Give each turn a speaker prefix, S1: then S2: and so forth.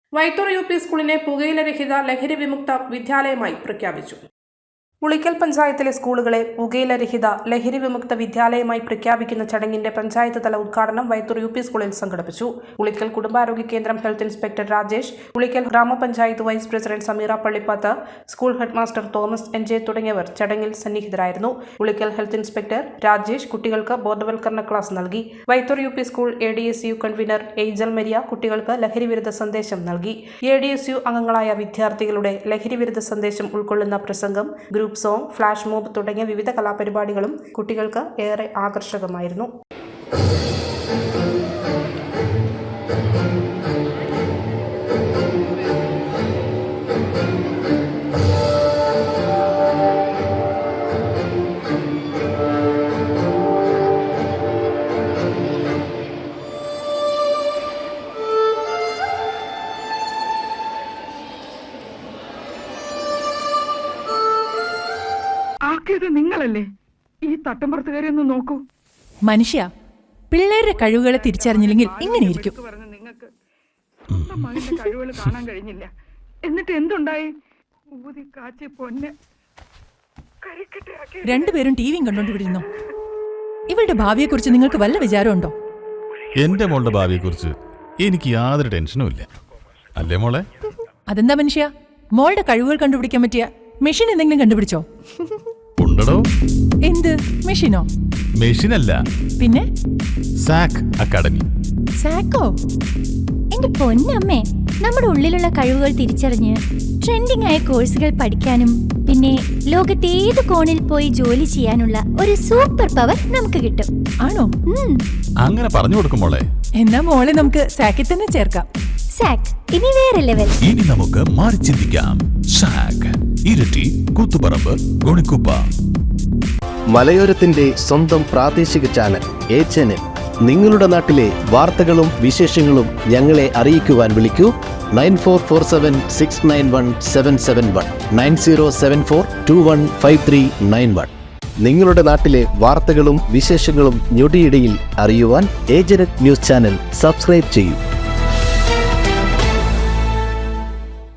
S1: Vaithur U P സ്കൂളിനെ പുകയിലരഹിത ലഹരി വിമുക്ത വിദ്യാലയമായി പ്രഖ്യാപിച്ചു. ഉളിക്കൽ പഞ്ചായത്തിലെ സ്കൂളുകളെ പുകയിലരഹിത ലഹരി വിമുക്ത വിദ്യാലയമായി പ്രഖ്യാപിക്കുന്ന ചടങ്ങിന്റെ പഞ്ചായത്ത് തല ഉദ്ഘാടനം വൈത്തൂർ യു പി സ്കൂളിൽ സംഘടിപ്പിച്ചു. ഉളിക്കൽ കുടുംബാരോഗ്യ കേന്ദ്രം health inspector Rajesh, Ulikkal grama panchayat vice president Sameera Pallippath, school head master Thomas N J. തുടങ്ങിയവർ ചടങ്ങിൽ സന്നിഹിതരായിരുന്നു. ഉളിക്കൽ ഹെൽത്ത് ഇൻസ്പെക്ടർ രാജേഷ് കുട്ടികൾക്ക് ബോധവൽക്കരണ ക്ലാസ് നൽകി. Vaithoor U P school ADSU convener Angel Maria കുട്ടികൾക്ക് ലഹരിവിരുദ്ധ സന്ദേശം നൽകി. ADSU അംഗങ്ങളായ വിദ്യാർത്ഥികളുടെ ലഹരിവിരുദ്ധ സന്ദേശം ഉൾക്കൊള്ളുന്ന പ്രസംഗം, ഗ്രൂപ്പ് സോങ്, ഫ്ലാഷ് മോബ് തുടങ്ങിയ വിവിധ കലാപരിപാടികളും കുട്ടികൾക്ക് ഏറെ ആകർഷകമായിരുന്നു.
S2: നിങ്ങളല്ലേ ഈ തട്ടമ്പുറത്തുകാരെ ഒന്ന് നോക്കൂ.
S3: മനുഷ്യ, പിള്ളേരുടെ കഴിവുകളെ തിരിച്ചറിഞ്ഞില്ലെങ്കിൽ ഇങ്ങനെയിരിക്കും.
S2: നിങ്ങൾക്ക് സ്വന്തം മകന്റെ കഴിവുകൾ കാണാൻ കഴിഞ്ഞില്ല. എന്നിട്ട് എന്തുണ്ടായി? ഊതി കാച്ചി പൊന്നെ
S3: രണ്ടുപേരും ടിവിയും കണ്ടോണ്ടിരുന്നു. ഇവളുടെ ഭാവിയെ കുറിച്ച് നിങ്ങൾക്ക് വല്ല വിചാരമുണ്ടോ?
S4: എന്റെ മോളുടെ ഭാവിയെ കുറിച്ച് എനിക്ക് യാതൊരു ടെൻഷനും ഇല്ല. അല്ലേ മോളെ?
S3: അതെന്താ മനുഷ്യ, മോളുടെ കഴിവുകൾ കണ്ടുപിടിക്കാൻ പറ്റിയ മെഷീൻ എന്തെങ്കിലും കണ്ടുപിടിച്ചോ?
S4: ഉണ്ടോ?
S3: എന്ത് മെഷീനോ?
S4: മെഷീനല്ല,
S3: പിന്നെ
S4: സാക് അക്കാഡമി.
S3: സാക്കോ?
S5: എന്റെ പൊന്നമ്മേ, നമ്മുടെ ഉള്ളിലുള്ള കഴിവുകൾ തിരിച്ചറിഞ്ഞ് ട്രെൻഡിംഗ് ആയ കോഴ്സുകൾ പഠിക്കാനും പിന്നെ ലോകത്തെ ഏത് കോണിൽ പോയി ജോലി ചെയ്യാനുള്ള ഒരു സൂപ്പർ പവർ നമുക്ക് കിട്ടും.
S3: ആണോ?
S4: അങ്ങനെ പറഞ്ഞു കൊടുക്കും മോളെ.
S3: എന്നാ മോളെ നമുക്ക് സാക്കിൽ തന്നെ ചേർക്കാം.
S5: സാക് ഇനി വേറെ ലെവൽ.
S4: ഇനി നമുക്ക് മാറി ചിന്തിക്കാം. സാക്, ഇരട്ടി, കൂത്തുപറമ്പ്, ഗുണിക്കുപ്പ.
S6: മലയോരത്തിന്റെ സ്വന്തം പ്രാദേശിക ചാനൽ HNN. നിങ്ങളുടെ നാട്ടിലെ വാർത്തകളും വിശേഷങ്ങളും ഞങ്ങളെ അറിയിക്കുവാൻ വിളിക്കൂ 9447691771 9074215391. നിങ്ങളുടെ നാട്ടിലെ വാർത്തകളും വിശേഷങ്ങളും ഞൊടിയിടയിൽ അറിയുവാൻ ഏജനറ്റ് ന്യൂസ് ചാനൽ സബ്സ്ക്രൈബ് ചെയ്യൂ.